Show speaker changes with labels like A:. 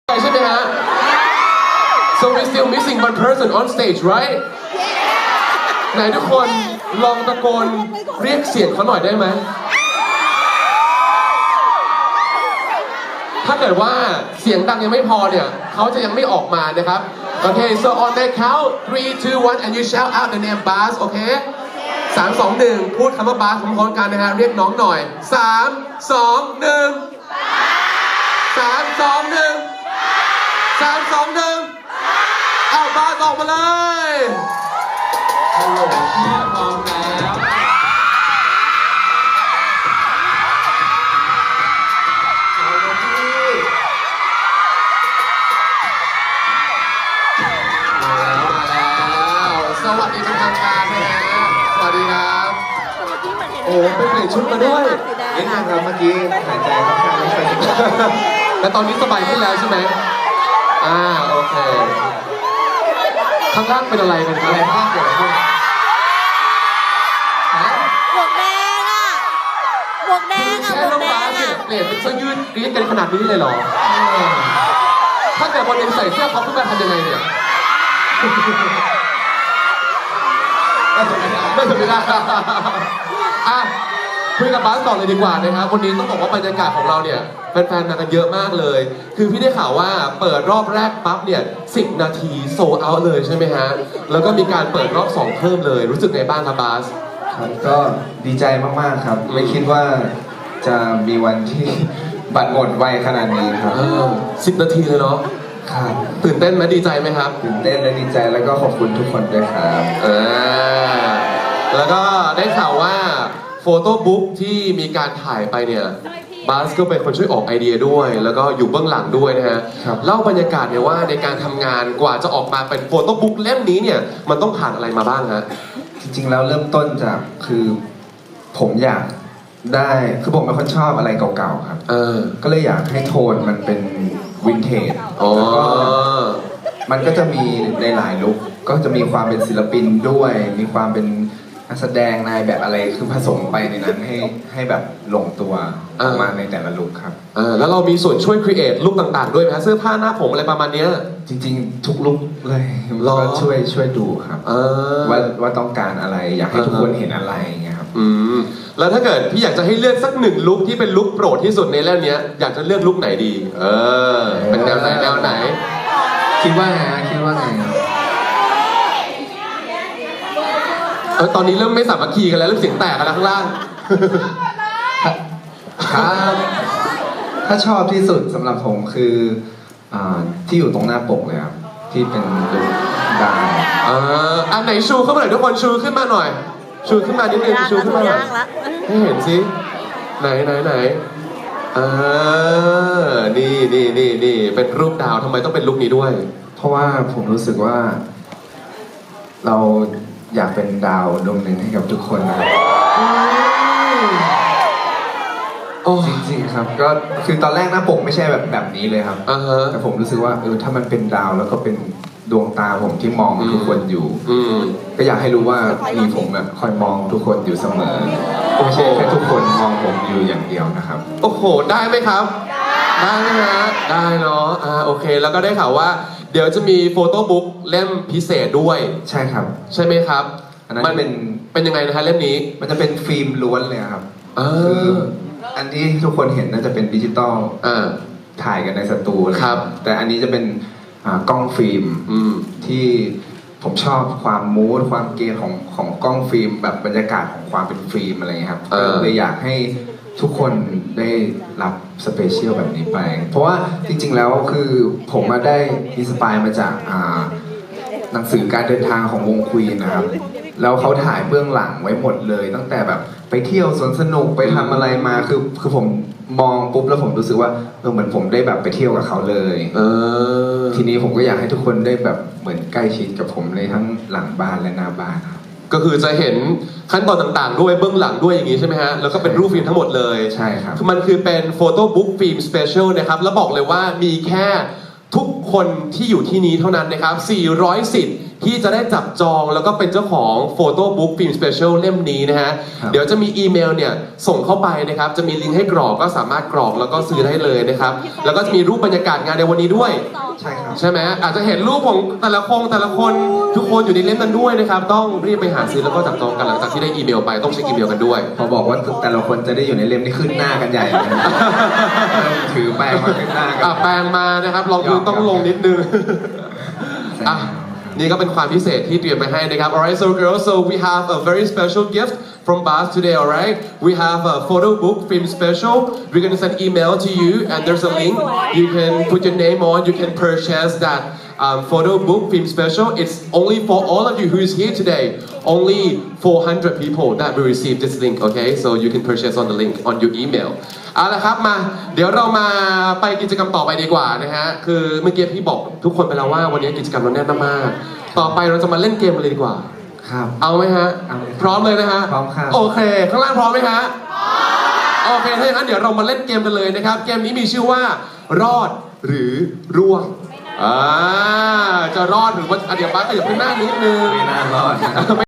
A: ใช่ไหมฮะ so we still missing one person on stage right ไหนทุกคนลองตะโกนเรียกเสียงเขาหน่อยได้ไหมถ้าเกิดว่าเสียงดังยังไม่พอเนี่ยเขาจะยังไม่ออกมานะครับโอเค so on the count 3 2 1 and you shout out the name Bas โอเค3 2 1พูดคำว่า Bas พร้อมๆกันนะฮะเรียกน้องหน่อย3 2 1 3 2 1 3 2 1เอาBasออกมาเลยฮัลโหลพี่พร้อมแล้วสวัสดีเป็นทางการนะฮะสวัสดีครับโอ้ไปเปลี่ยนชุดมาด้วย
B: นิดนึงครับเมื่อกี้หายใจค่อนข้างไม่ค่อยดี
A: แต่ตอนนี้สบายขึ้นแล้วใช่ไหมโอเคข้างล่างเป็นอะไรกันครับ
B: อะไรบ้างเกิดอะไรขึ้น
C: หมวกแดงอ่ะหมวกแดงอ่ะหมวกแดงอ่ะ
A: เปลี่ยนเป็นเสื้อยืดกรี๊ดกันขนาดนี้เลยเหรอถ้าเกิดวันนึงใส่เสื้อเขาขึ้นมาทำยังไงเนี่ยไม่ถึงเวลาคุยกับบาสต่อเลยดีกว่านะครับวันนี้ต้องบอกว่าบรรยากาศของเราเนี่ยแฟนๆมากันเยอะมากเลยคือพี่ได้ข่าวว่าเปิดรอบแรกปั๊บเนี่ย10 นาทีโซลด์เอาท์เลยใช่ไหมฮะแล้วก็มีการเปิดรอบ2เพิ่มเลยรู้สึกไงบ้างครับบาส
B: ครับก็ดีใจมากๆครับไม่คิดว่าจะมีวันที่บัตรหมดไวขนาดนี้ครับ
A: 10 นาทีเลยเนาะ
B: ครับ
A: ตื่นเต้นไหมดีใจไหมครับ
B: ตื่นเต้นและดีใจแล้วก็ขอบคุณทุกคนด้วยครับ
A: แล้วก็ได้ข่าวว่าโฟโต้บุ๊กที่มีการถ่ายไปเนี่ยบาสก็เป็นคนช่วยออกไอเดียด้วยแล้วก็อยู่เบื้องหลังด้วยนะฮะเล่าบรรยากาศเนี่ยว่าในการทำงานกว่าจะออกมาเป็นโฟโต้บุ๊กเล่มนี้เนี่ยมันต้องผ่านอะไรมาบ้างฮะ
B: จริงๆแล้วเริ่มต้นจากคือผมอยากได้คือผมเป็นคนชอบอะไรเก่าๆครับก็เลยอยากให้โทนมันเป็นวินเทจแล้วก็มันก็จะมีในหลายลุคก็จะมีความเป็นศิลปินด้วยมีความเป็นนักแสดงนายแบบอะไรคือผสมไปในนั้นให้แบบลงตัวออกมาในแต่ละลุคครับ
A: แล้วเรามีส่วนช่วยครีเอทลุคต่างๆด้วยไหมเสื้อผ้าหน้าผมอะไรประมาณนี้
B: จริงๆทุกลุคเลยก็ช่วยดูครับว่าต้องการอะไรอยากให้ทุกคนเห็นอะไรอย่างเงี้ยครับ
A: แล้วถ้าเกิดพี่อยากจะให้เลือกสักหนึ่งลุคที่เป็นลุคโปรดที่สุดในเล่มนี้อยากจะเลือกลุคไหนดีเป็นแนวไหน
B: คิดว่าไง
A: ตอนนี้เริ่มไม่สามัคคีกันแล้วเริ่มเสียงแตกกันแล้วข้างล่าง
B: ครับถ้าชอบที่สุดสำหรับผมคือที่อยู่ตรงหน้าปกเลยครับที่เป็นลุคดาว
A: อันไหนชูขึ้นมาหน่อยทุกคนชูขึ้นมาหน่อยชูขึ้นมานิดนึงชูขึ้นมาหน่อยให้เห็นสิไหนนี่เป็นรูปดาวทำไมต้องเป็นลุคนี้ด้วย
B: เพราะว่าผมรู้สึกว่าเราอยากเป็นดาวดวงหนึ่งให้กับทุกคนนะครับจริงๆครับก็คือตอนแรกหน้าปกไม่ใช่แบบนี้เลยครับแต่ผมรู้สึกว่าถ้ามันเป็นดาวแล้วก็เป็นดวงตาผมที่มองทุกคนอยู่ก็อยากให้รู้ว่ามีผมแบบคอยมองทุกคนอยู่เสมอไม่ใช่แค่ทุกคนมองผมอยู่อย่างเดียวนะครับ
A: โอ้โหได้ไหมครับได้ไหมฮะได้เนาะโอเคแล้วก็ได้ข่าวว่าเดี๋ยวจะมีโฟโต้บุ๊กเล่มพิเศษด้วย
B: ใช่ครับ
A: ใช่ไหมครับ
B: มัน
A: เป็นยังไงนะฮะเล่มนี้
B: มันจะเป็นฟิล์มล้วนเลยครับคืออันที่ทุกคนเห็นน่าจะเป็นดิจิตอลถ่ายกันในสตูเลย
A: ครับ
B: แต่อันนี้จะเป็นกล้องฟิล์มที่ผมชอบความมูดความเกย์ของกล้องฟิล์มแบบบรรยากาศของความเป็นฟิล์มอะไรเงี้ยครับเลยอยากให้ทุกคนได้รับสเปเชียลแบบนี้ไปเพราะว่าจริงๆแล้วคือผมมาได้อินสปายมาจากหนังสือการเดินทางของวงควีนนะครับแล้วเขาถ่ายเบื้องหลังไว้หมดเลยตั้งแต่แบบไปเที่ยวสวนสนุกไปทำอะไรมาคือผมมองปุ๊บแล้วผมรู้สึกว่าเหมือนผมได้แบบไปเที่ยวกับเขาเลยทีนี้ผมก็อยากให้ทุกคนได้แบบเหมือนใกล้ชิดกับผมเลยทั้งหลังบ้านและหน้าบ้านครับ
A: ก็คือจะเห็นขั้นตอนต่างๆด้วยเบื้องหลังด้วยอย่างนี้ใช่ไหมฮะแล้วก็เป็นรูปฟิล์มทั้งหมดเลย
B: ใช่ครับ
A: มันคือเป็นโฟโต้บุ๊กฟิล์มสเปเชียลนะครับแล้วบอกเลยว่ามีแค่ทุกคนที่อยู่ที่นี้เท่านั้นนะครับ400 สิทธิ์ที่จะได้จับจองแล้วก็เป็นเจ้าของโฟโต้บุ๊กฟิล์มสเปเชียลเล่มนี้นะฮะ
B: ครับ
A: เดี๋ยวจะมีอีเมลเนี่ยส่งเข้าไปนะครับจะมีลิงก์ให้กรอกก็สามารถกรอกแล้วก็ซื้อได้เลยนะครับแล้วก็จะมีรูปบรรยากาศงานในวันนี้ด้วย
B: ใช่ครับ
A: ใช่ไหมอาจจะเห็นรูปของแต่ละคนทุกคนอยู่ในเล่มนั้นด้วยนะครับต้องรีบไปหาซื้อแล้วก็จับจองกันหลังจากที่ได้อีเมลไปต้องเช็คอีเมลกันด้วย
B: พอบอกว่าแต่ละคนจะได้อยู่ในเล่มนี่ขึ้นหน้ากันใหญ่เลยนะเริ่มถือแป้งมาขึ้นหน้ากัน
A: แปลงมานะครับลองพื้นต้องลงนิดนึงอ่ะนี่ก็เป็นความพิเศษที่เตรียมไปให้นะครับ alright so girls so we have a very special gift from Bas today alright we have a photo book film special we're gonna send email to you and there's a link you can put your name on you can purchase that photo book film special it's only for all of you who is here today only 400 people that will receive this link okay so you can purchase on the link on your email เอาละครับมาเดี๋ยวเรามาไปกิจกรรมต่อไปดีกว่านะฮะคือเมื่อกี้พี่บอกทุกคนไปแล้วว่าวันนี้กิจกรรมเราแน่นมากต่อไปเราจะมาเล่นเกมกันเลยดีกว่า
B: ครับ
A: เอาไหมฮะ
B: เอาเลยครับ
A: พร้อมเลยนะฮะ
B: พร้อมครับ
A: โอเคข้างล่างพร้อมไหมฮะโอเคถ้าอย่างนั้นเดี๋ยวเรามาเล่นเกมกันเลยนะครับเกมนี้มีชื่อว่ารอดหรือร่วงจะรอดหรือว่าเดี๋ยวป้าขยับขึ้นหน้านิดนึง
B: ไม่น่ารอด